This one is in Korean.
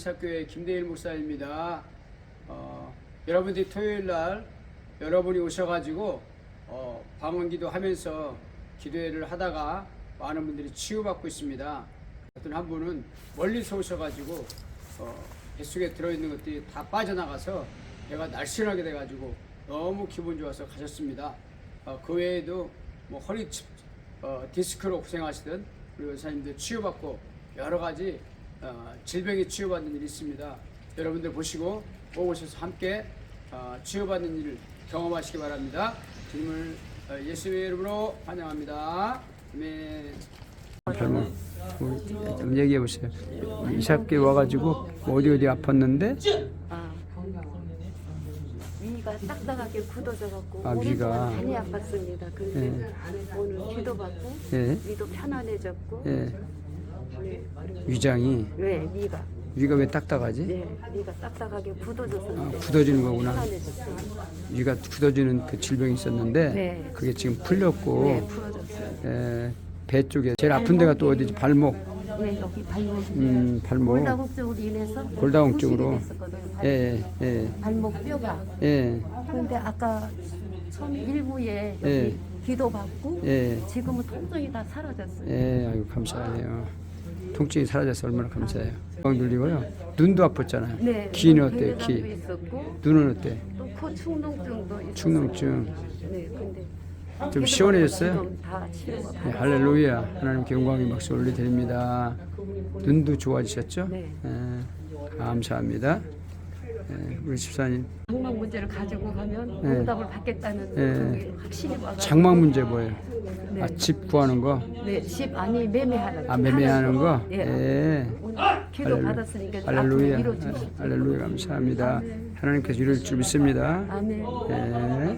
이착교회 김대일 목사입니다. 여러분들이 토요일 날 여러분이 오셔가지고 방언기도 하면서 기도회를 하다가 많은 분들이 치유받고 있습니다. 어떤 한 분은 멀리서 오셔가지고 뱃속에 들어있는 것들이 다 빠져나가서 배가 날씬하게 돼가지고 너무 기분 좋아서 가셨습니다. 그 외에도 뭐 허리 디스크로 고생하시던 우리 원사님들 치유받고 여러 가지 질병이 치유받는 일이 있습니다. 여러분들 보시고 꼭 오셔서 함께 치유받는 일을 경험하시기 바랍니다. 주님을 예수의 이름으로 환영합니다. 아멘. 좀 얘기해 보세요. 이삭교회 와가지고 어디 아팠는데? 위가 딱딱하게 굳어져갖고 위가 많이 아팠습니다. 근데 오늘 기도받고 위도 편안해졌고 위장이 위가 왜 딱딱하지? 네, 위가 딱딱하게 굳어져서 굳어지는 거구나. 편안해졌어요. 위가 굳어지는 그 질병이 있었는데 그게 지금 풀렸고 네, 풀어졌어요. 배 쪽에 제일 아픈 데가 또 어디지? 발목. 네, 여기 발목. 발목. 골다공 쪽으로 인해서 골다공 쪽으로. 발목 뼈가. 그런데 아까 처음 일부에 여기 기도받고 지금은 통증이 다 사라졌어요. 아이고 감사해요. 통증이 사라져서 얼마나 감사해요. 건강 눌리고요. 눈도 아팠잖아요. 네, 귀는 어때요? 괴담도 귀. 있었고 눈은 어때? 또 코 축농증도 있었어요. 축농증. 네, 근데 좀 시원해졌어요? 지금 다 치료가 할렐루야. 하나님께 영광의 박수 올려드립니다. 눈도 좋아지셨죠? 네. 감사합니다. 우리 집사님. 장막 문제를 가지고 가면 응답을 받겠다는 그게 확실히 와가지고. 장막 문제 뭐예요? 네. 집 구하는 거? 네, 집 아니 매매하는 거. 매매하는 거? 오늘 기도 받았으니까 앞으로 할렐루야. 이루어주십시오. 할렐루야. 감사합니다. 하나님께서 이룰 줄 믿습니다. 아멘.